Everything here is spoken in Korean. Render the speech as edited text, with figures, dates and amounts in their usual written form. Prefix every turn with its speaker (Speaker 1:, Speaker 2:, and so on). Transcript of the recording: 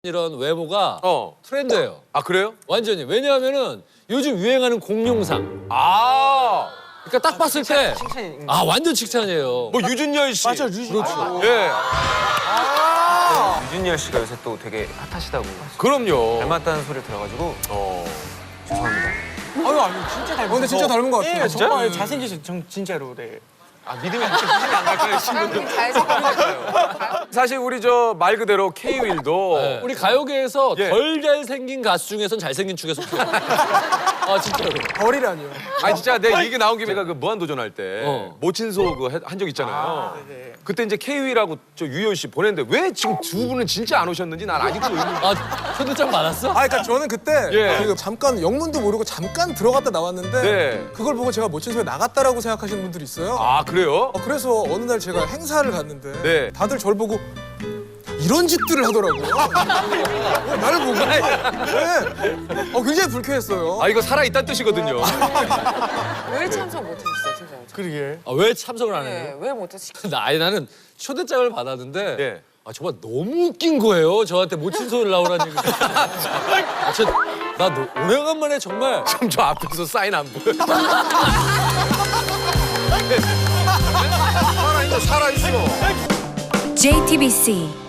Speaker 1: 이런 외모가 트렌드예요.
Speaker 2: 아 그래요?
Speaker 1: 완전히. 왜냐하면은 요즘 유행하는 공룡상.
Speaker 2: 아.
Speaker 1: 그러니까 딱 봤을 때 아 완전 칭찬이에요.
Speaker 2: 뭐 유준열 씨.
Speaker 3: 맞아, 유준열.
Speaker 1: 그렇죠.
Speaker 2: 예.
Speaker 4: 유준열 씨가 요새 또 되게 핫하시다고
Speaker 2: 그럼요.
Speaker 4: 닮았다는 소리를 들어가지고 죄송합니다.
Speaker 3: 아유, 아니, 진짜 닮은
Speaker 5: 근데 진짜 닮은 것 같아요.
Speaker 3: 예, 정말 잘생기신, 진짜로, 네.
Speaker 2: 아 믿음이 안 갈까요, 친구들?
Speaker 6: 잘생겼어요.
Speaker 2: 사실 우리 저 말 그대로 K-윌도
Speaker 1: 네. 우리 가요계에서
Speaker 2: 예.
Speaker 1: 덜 잘생긴 가수 중에선 잘생긴 축에 속해요. 아 진짜로.
Speaker 3: 벌이라니요.
Speaker 2: 아니 진짜 내 얘기 나온 김에 제가 그 무한도전 할 때 모친소 그 한 적 있잖아요.
Speaker 3: 네.
Speaker 2: 그때 이제 K-윌하고 저 유열 씨 보냈는데 왜 지금 두 분은 진짜 안 오셨는지 난 아직도 의문.
Speaker 1: 아 초대장 많았어?
Speaker 5: 아, 그러니까 저는 그때
Speaker 2: 예.
Speaker 5: 그 잠깐 영문도 모르고 잠깐 들어갔다 나왔는데
Speaker 2: 네.
Speaker 5: 그걸 보고 제가 모친소에 나갔다라고 생각하시는 분들이 있어요.
Speaker 2: 아 그래요?
Speaker 5: 그래서 어느 날 제가 행사를 갔는데
Speaker 2: 네.
Speaker 5: 다들 저를 보고 이런 짓들을 하더라고요. 나를 보고. 네. 굉장히 불쾌했어요.
Speaker 2: 아 이거 살아 있다는 뜻이거든요.
Speaker 6: 왜 참석 못하셨어요, 진짜?
Speaker 3: 그러게.
Speaker 1: 아, 왜 참석을 안
Speaker 6: 네,
Speaker 1: 해요?
Speaker 6: 왜 못하셨어요?
Speaker 1: 나는 초대장을 받았는데
Speaker 2: 예.
Speaker 1: 아 정말 너무 웃긴 거예요. 저한테 모친소를 나오라는 얘기. 아, 나 오래간만에 정말
Speaker 2: 좀 저 앞에서 사인 안 보여. 살아있어.
Speaker 7: JTBC